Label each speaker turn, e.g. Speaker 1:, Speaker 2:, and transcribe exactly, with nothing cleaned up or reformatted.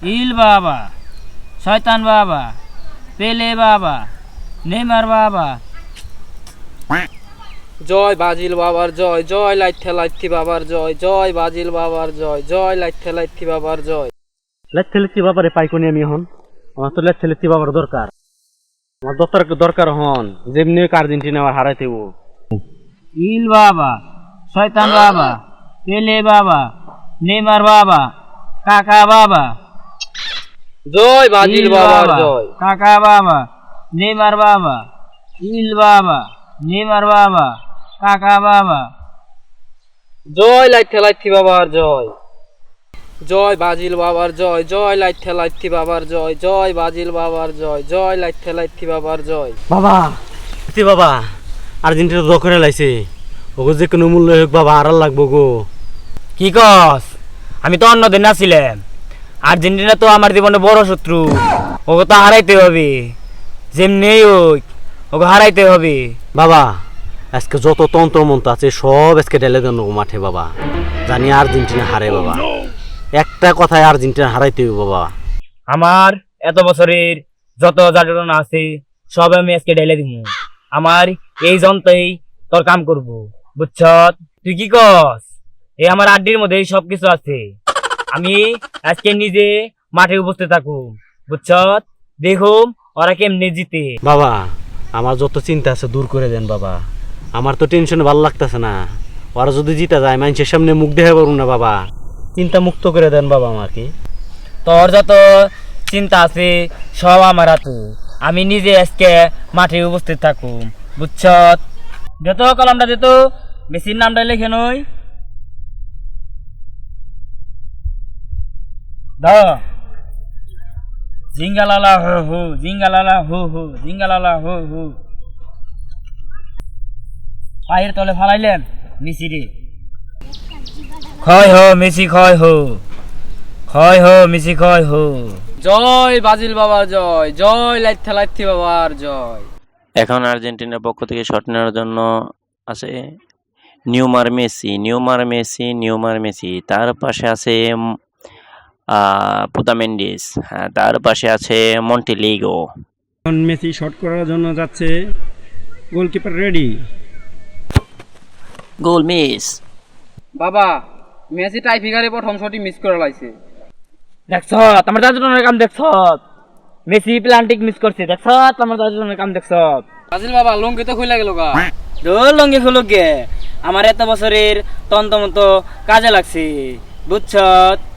Speaker 1: ইল বাবা, শয়তান বাবা, পেলে বাবা, নেইমার বাবা।
Speaker 2: জয় বাজিল বাবার জয়, জয় লাইথা লাইথি বাবার জয়, জয় বাজিল বাবার জয়, জয় লাইথা লাইথি বাবার জয়।
Speaker 3: লাইথা লাইথি বাবারে পাই কোনি আমি এখন? আমার তো লাইথা লাইথি বাবার দরকার। আমার দরকার দরকার হন যেমনি আর্জেন্টিনা আমার হারাইতে ও।
Speaker 1: ইল বাবা, শয়তান বাবা, পেলে বাবা, নেইমার বাবা, কাকা বাবা।
Speaker 2: জয় বাজিল
Speaker 1: ইল
Speaker 2: বাবার
Speaker 1: বাবা,
Speaker 2: জয়।
Speaker 1: কাকা বাবা, নেইমার বাবা, ইল বাবা, নেইমার বাবা, কাকা বাবা।
Speaker 2: জয় লাইথা লাইথি বাবার জয়, জয় বাজিল বাবার জয়, জয় লাইথা লাইথি বাবার জয়, জয় বাজিল বাবার জয়, জয় লাইথা লাইথি বাবার জয়।
Speaker 3: বাবা এতে বাবা আর্জেন্টিনা দ করে লাইছে ওগো যে কোনো মূল্য হোক বাবা আর লাগবো গো।
Speaker 1: কি কস? আমি তো অন্য দিন আসছিলাম। আর্জেন্টিনা তো আমার জীবনে বড় শত্রু, ওকে তো হারাইতে হবে, যেমনি হোক ওকে হারাইতে হবে।
Speaker 3: বাবা আজকে যত তন্ত্র মন্ত্র আছে সব আজকে ঢেলে দেন মাঠে বাবা, জানি আর্জেন্টিনা হারে বাবা। একটা কথায় আর্জেন্টিনা হারাইতে হবে বাবা।
Speaker 1: আমার এত বছরের যত যাতনা আছে সব আমি আজকে ঢেলে দিব। আমার এই যন্ত্রেই তোর কাম করব, বুঝছ? তুই কি কস? এই আমার আড্ডির মধ্যে সবকিছু আছে। আমি আজকে নিজে মাঠে উপস্থিত থাকুম, বুঝছ? দেখুম ওরা কেমনে জিতে।
Speaker 3: বাবা আমার যত চিন্তা আছে দূর করে দেন বাবা, আমার তো টেনশন ভালো লাগতেছে না। ওরা যদি জিতা যায় মানুষের সামনে মুখ দেখা পারুন না বাবা, চিন্তা মুক্ত করে দেন বাবা আমাকে।
Speaker 1: তোর যত চিন্তা আছে সব আমার হাতে, আমি নিজে আজকে মাঠে উপস্থিত থাকুম, বুঝছ? যেত কলমটা যেত, মেসির নামটা লেখে নই দ জিঙ্গালালা হো হো, জিঙ্গালালা হো হো, জিঙ্গালালা হো হো। পায়ের তলে ফালাইলেন মেসি রে। ক্ষয় হো মেসি, ক্ষয় হো, ক্ষয় হো মেসি, ক্ষয় হো।
Speaker 2: জয় বাজিল বাবার জয়, জয় লাইথা লাইথি বাবার জয়।
Speaker 4: এখন আর্জেন্টিনার পক্ষ থেকে শট নেওয়ার জন্য আছে Neymar Messi, Neymar Messi, Neymar Messi. তার পাশে আছে পুদামেন্ডিস, হ্যাঁ তার পাশে আছে মন্টেলিগো।
Speaker 5: এখন মেসি শট করার জন্য যাচ্ছে, গোলকিপার রেডি।
Speaker 4: Goal miss.
Speaker 2: বাবা মেসি টাই ফিগারে প্রথম শটই মিস করে লাইছে।
Speaker 1: দেখছ আমার দাদুর কাম, দেখছ মেসি প্লান্টিক মিস করছে, দেখছ আমার দাদুর কাম, দেখছ?
Speaker 2: বাজিল বাবা লঙ্কি তো খুলে গেল গা।
Speaker 1: দোল লঙ্গি খুলুক গে, আমার এত বছরের তন্ত মতো কাজে লাগছে, বুঝছ?